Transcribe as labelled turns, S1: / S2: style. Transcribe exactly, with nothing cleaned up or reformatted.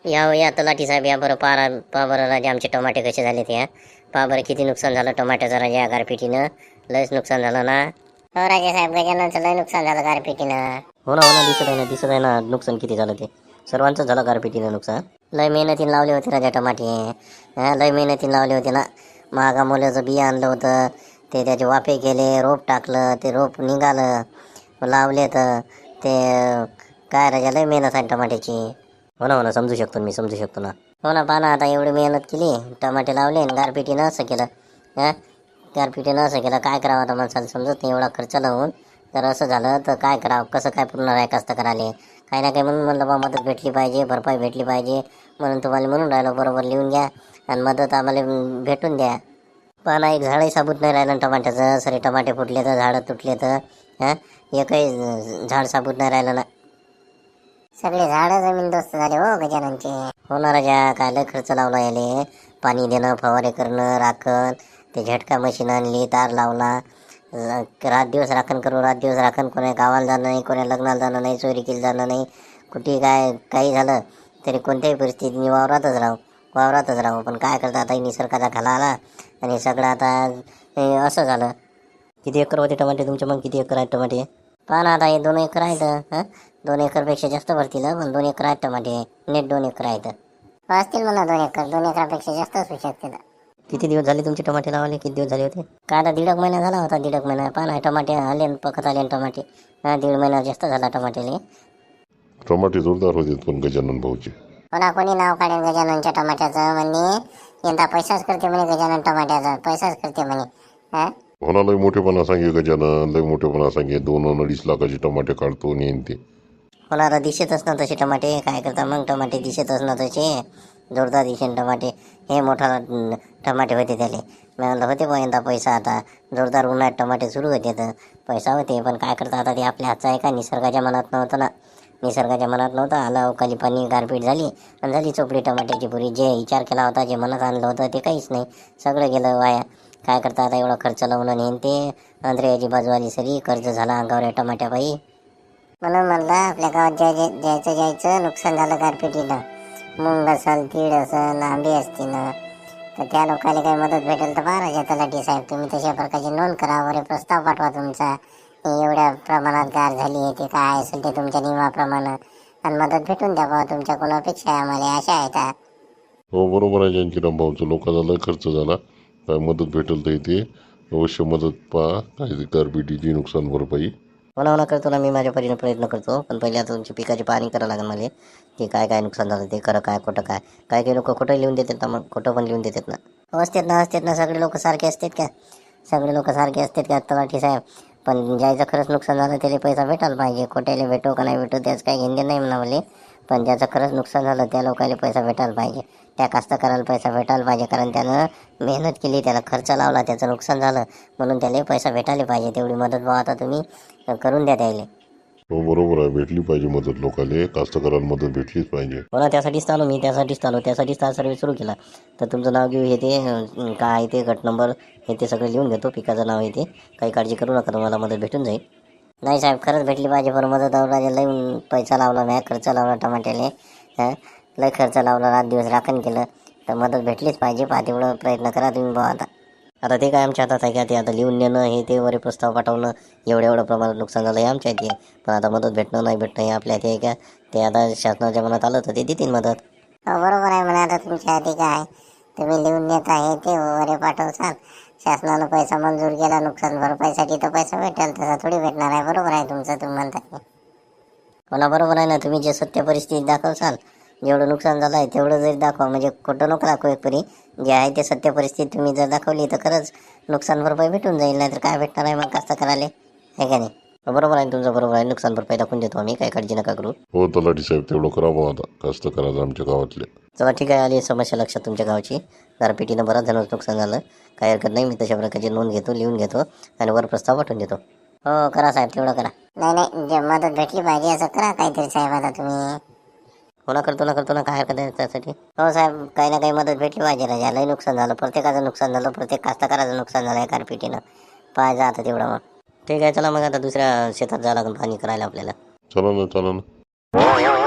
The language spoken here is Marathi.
S1: या हो, या तलाठी साहेब या बरं पारा पा बरं राजा आमचे टमाटे कसे झाले ते पा बरं किती नुकसान झालं टमाट्याचं राजा या गारपिटीनं. लयच नुकसान झालं ना.
S2: हो राजे साहेब गजाननचं लय नुकसान झालं गारपिटीनं.
S1: हो ना हो ना दिसत आहे ना दिसत आहे ना नुकसान किती झालं ते. सर्वांचं झालं गारपिटीनं नुकसान. लय मेहनतीने लावले होते राजा टमाटे. हा लय मेहनतीने लावले होते ना. महागा मोल्याचं बिया आणलं होतं ते त्याचे वाफे केले रोप टाकलं ते रोप निघालं लावले तर ते काय राजा लय मेहनत आहे टमाट्याची. हो ना हो ना समजू शकतो मी समजू शकतो ना. हो ना पहा ना आता एवढी मेहनत केली टमाटे लावले आणि गारपिटीनं असं केलं. हां गारपिटीनं असं केलं काय करावं आता माणसाला समजत नाही एवढा खर्च लावून. तर असं झालं तर काय करावं कसं काय पुरणार आहे कास्तकाराले. काही ना काही म्हणून म्हणलं बा मदत भेटली पाहिजे भरपाई भेटली पाहिजे म्हणून तुम्हाला म्हणून राहिलो बरोबर लिहून घ्या आणि मदत आम्हाला भेटून द्या. पण एक झाडही साबूत नाही राहिलं टमाट्याचं सरे टमाटे फुटले तर झाडं तुटले तर हां एकही झाड साबूत नाही राहिलं ना.
S2: सगळे झाडं जमीनदोस्त झाले हो गजाननचे.
S1: हो ना राजा काय लय खर्च लावला याले. पाणी देणं फवारे करणं राखण ते झटका मशीन आणली तार लावला रात दिवस राखण करू रात दिवस राखण कोणा गावाला जाणं नाही कोणा लग्नाला जाणं नाही चोरी केली जाणं नाही. कुठे काय काही झालं तरी कोणत्याही परिस्थितीत मी वावरातच राहू वावरातच राहू. पण काय करता आता निसर्गाचा खाला आला आणि सगळं आता असं झालं. किती एकर होते टमाटे तुमचे मग किती एकर आहेत टमाटे. पहा ना आता हे दोन एकर आहेत हां दोन एकरपेक्षा जास्त भरतील पण दोन एकर आहेत टमाटे नेट दोन एकर आहेत.
S2: असतील म्हणा दोन एकर दोन एकरापेक्षा जास्त असू शकते.
S1: किती दिवस झाले तुमचे टमाटे लावले किती दिवस झाले होते. काय आता दीड एक महिना झाला होता दीड एक महिना पहा ना टमाटे आले पकत आले टमाटे. हां दीड महिना जास्त झाला टमाटेले.
S3: टमाटे जोरदार होते पण गजानन भाऊचे.
S2: कोणा कोणी नाव काढेल गजाननच्या टमाट्याचं म्हणे यंदा पैसाच करते म्हणे गजानन टमाट्याचा पैसाच करते म्हणे. हां
S3: होना लय मोठेपणा सांगे गजानन लय मोठेपणा सांगे दोन अडीच लाखाचे टमाटे काढतो नेन ते.
S1: होणार दिसतच ना तसे टमाटे काय करता मग टमाटे दिसतच ना तसे जोरदार दिसेन टमाटे. हे मोठा टमाटे होते त्याले मी म्हणलं होते पण यंदा पैसा आता जोरदार उन्हाळ्यात टमाटे सुरू होते तर पैसा होते. पण काय करता आता ते आपल्या हातचं आहे का निसर्गाच्या मनात नव्हतं ना. निसर्गाच्या मनात नव्हतं आला अवकाळी पाणी गारपीट झाली आणि झाली चोपडी टमाट्याची पुरी. जे विचार केला होता जे मनात आणलं होतं ते काहीच नाही सगळं गेलं वाया. काय करता आता एवढा खर्च लावून आणि ते अंधेऱ्याची बाजू आली सरी कर्ज झाला अंगावर या टमाट्याबाई.
S2: म्हणून म्हणलं आपल्या गावात जाय जायचं जायचं नुकसान झालं गारपिटीनं. मुंग असेल तीळ असेल आंबे असतील तर त्या लोकांना काही मदत भेटेल तर पहा राजा तलाठी साहेब तुम्ही तशा प्रकारची नोंद करा वगैरे प्रस्ताव पाठवा तुमचा. एवढ्या प्रमाणात गार झाली आहे ते काय असेल ते तुमच्या नियमाप्रमाणे आणि मदत भेटून द्या बा तुमच्या कोणा अपेक्षा आहे आम्हाला अशा आहेत.
S3: हो बरोबर आहे जानकीराम भाऊचं लोकांचा लय खर्च झाला काय मदत भेटेल तर इथे अवश्य मदत पहा काय गारपिटीची नुकसान भरपाई.
S1: हो ना हो ना करतो ना मी माझ्या परीने प्रयत्न करतो. पण पहिले आता तुमची पिकाची पाहणी करावं लागेल मला की काय काय नुकसान झालं ते खरं काय खोटं काय. काय काही लोक खोटं लिहून देतात ना मग खोटं पण लिहून देतात ना. असतात ना असतात ना सगळे लोक सारखे असतात का सगळे लोक सारखे असतात का तलाठी साहेब. पण ज्याचं खरंच नुकसान झालं त्याला पैसा भेटायला पाहिजे खोट्याला भेटो का नाही भेटो त्याचं काही घेणं नाही म्हणा मला. पण ज्याचं खरंच नुकसान झालं त्या लोकांना पैसा भेटायला पाहिजे. त्या कास्तकाराला पैसा भेटायला पाहिजे कारण त्यानं मेहनत केली त्याला खर्च लावला त्याचं नुकसान झालं म्हणून त्याला पैसा भेटायला पाहिजे. तेवढी मदत भाव आता तुम्ही करून द्या त्याला.
S3: हो बरोबर आहे भेटली पाहिजे मदत लोकांना कास्तकाराला मदत भेटलीच पाहिजे.
S1: हो ना त्यासाठीच आलो मी त्यासाठीच आलो त्यासाठीच हा सर्वे सुरू केला. तर तुमचं नाव घेऊ हे ते काय ते गट नंबर हे ते सगळं लिहून घेतो पिकाचं नाव हे ते काही काळजी करू नका तुम्हाला मदत भेटून जाईल. नाही साहेब खरंच भेटली पाहिजे पण मदत राजा लय पैसा लावला नाही खर्च लावला टमाट्याले. हां लय खर्च लावला रात दिवस राखण केलं तर मदत भेटलीच पाहिजे. पहा तेवढं प्रयत्न करा तुम्ही भाऊ आता. आता ते काय आमच्या हातात आहे का ते आता लिहून देणं हे ते वरे प्रस्ताव पाठवणं एवढ्या एवढं प्रमाणात नुकसान झालं हे आमच्या हाती आहे. पण आता मदत भेटणं नाही भेटणं हे आपल्या हाती आहे का. ते आता शासनाच्या मनात आलं तर ते देतील मदत.
S2: हो बरोबर आहे म्हणा आता तुमच्या हाती काय तुम्ही लिहून देत आहे ते वगैरे पाठवसाल शासनानं पैसा मंजूर केला नुकसान भरपाईसाठी तर पैसा भेटेल तसा थोडी भेटणार आहे. बरोबर आहे तुमचं तुम्ही म्हणता.
S1: हो ना बरोबर आहे ना तुम्ही जे सत्य परिस्थिती दाखवसाल जेवढं नुकसान झालं आहे तेवढं जरी दाखवा म्हणजे खोटं नको दाखवू एक परी जे आहे ते सत्य परिस्थिती तुम्ही जर दाखवली तर खरंच नुकसान भरपाई भेटून जाईल. नाही तर काय भेटणार आहे मग कास्तकाराले आहे का नाही. बरोबर आहे तुमचं बरोबर आहे नुकसान भरपाई दाखवून देतो आम्ही काही काळजी नका करू.
S3: हो तलाठी साहेब तेवढं करावं आता कास्तकाराचं आमच्या गावातले.
S1: चला ठीक आहे आली समस्या लक्षात तुमच्या गावची गारपिटीनं बराच जणांचं नुकसान झालं काही हरकत नाही. मी तशा प्रकारची नोंद घेतो लिहून घेतो आणि वर प्रस्ताव पाठवून देतो. हो करा साहेब तेवढं करा.
S2: नाही नाही जे मदत भेटली पाहिजे असं करा काहीतरी साहेब आता तुम्ही.
S1: हो ना करतो ना करतो ना काय हरकत आहे त्यासाठी. हो साहेब काही ना काही मदत भेटली पाहिजे राजा लय नुकसान झालं प्रत्येकाचं नुकसान झालं प्रत्येक कास्तकाराचं नुकसान झालं आहे गारपिटीनं. पाहिजे आता तेवढं मग ठीक आहे चला मग आता दुसऱ्या शेतात जावं लागेल पाणी करायला आपल्याला.
S3: चला ना चला ना.